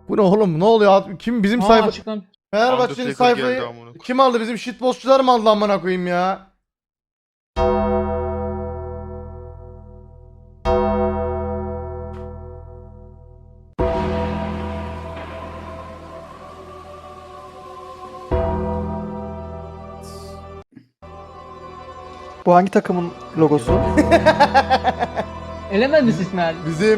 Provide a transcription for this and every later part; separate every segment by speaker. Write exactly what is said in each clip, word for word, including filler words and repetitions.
Speaker 1: Bu ne oğlum? Ne oluyor? Kim bizim
Speaker 2: Aa,
Speaker 1: sayfa...
Speaker 2: açıklam.
Speaker 1: Fenerbahçe'nin
Speaker 3: Undertaker geldi
Speaker 1: sayfayı
Speaker 3: amına koyayım.
Speaker 1: kim aldı? Bizim shitpostçular mı aldı amına koyayım ya?
Speaker 4: Bu hangi takımın logosu?
Speaker 2: Elemediniz İsmail.
Speaker 1: Bizim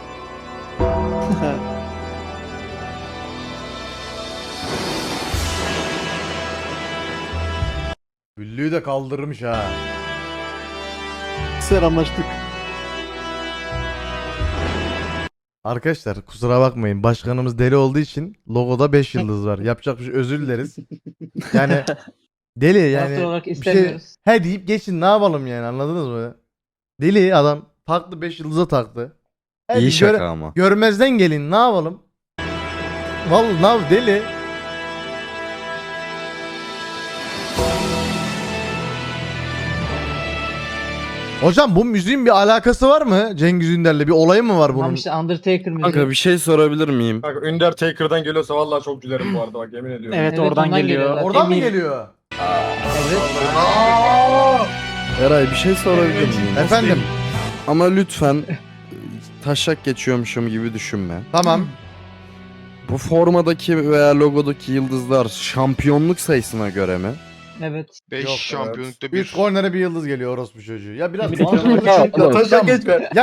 Speaker 1: Güllüğü de kaldırmış ha.
Speaker 4: Selamlaştık.
Speaker 1: Arkadaşlar kusura bakmayın. Başkanımız deli olduğu için logoda beş yıldız var. Yapacak bir şey, özür dileriz. Yani deli yani.
Speaker 2: Taraftar olarak
Speaker 1: Bir şey
Speaker 2: istemiyoruz.
Speaker 1: he deyip geçin, ne yapalım yani, anladınız mı? Deli adam taktı, beş yıldıza taktı. He
Speaker 5: İyi
Speaker 1: bir
Speaker 5: şaka
Speaker 1: göre-
Speaker 5: ama.
Speaker 1: Görmezden gelin, ne yapalım? Vallahi ne yap- deli. Hocam bu müziğin bir alakası var mı? Cengiz Ünder'le bir olayı mı var bunun?
Speaker 2: Tamam işte Undertaker müziği.
Speaker 5: Kanka bir şey sorabilir miyim?
Speaker 6: Bak Undertaker'dan geliyorsa vallahi çok gülerim bu arada bak yemin ediyorum.
Speaker 4: Evet,
Speaker 2: Evet,
Speaker 4: oradan
Speaker 2: ondan
Speaker 4: geliyor.
Speaker 2: geliyorlar.
Speaker 1: Oradan mı
Speaker 2: Eminim.
Speaker 1: geliyor?
Speaker 2: Evet.
Speaker 5: Eray bir şey sorabilir miyim?
Speaker 1: Efendim.
Speaker 5: Ama lütfen e, taşak geçiyormuşum gibi düşünme.
Speaker 1: Tamam.
Speaker 5: Bu formadaki veya logodaki yıldızlar şampiyonluk sayısına göre mi?
Speaker 2: Evet.
Speaker 3: beş
Speaker 1: Yok,
Speaker 3: şampiyonlukta bir.
Speaker 1: Üç kornere bir yıldız geliyor orospu çocuğu. Ya biraz
Speaker 2: Bir de
Speaker 1: mantıklı
Speaker 2: taşak-
Speaker 1: düşün.
Speaker 6: Ya taşak geçme.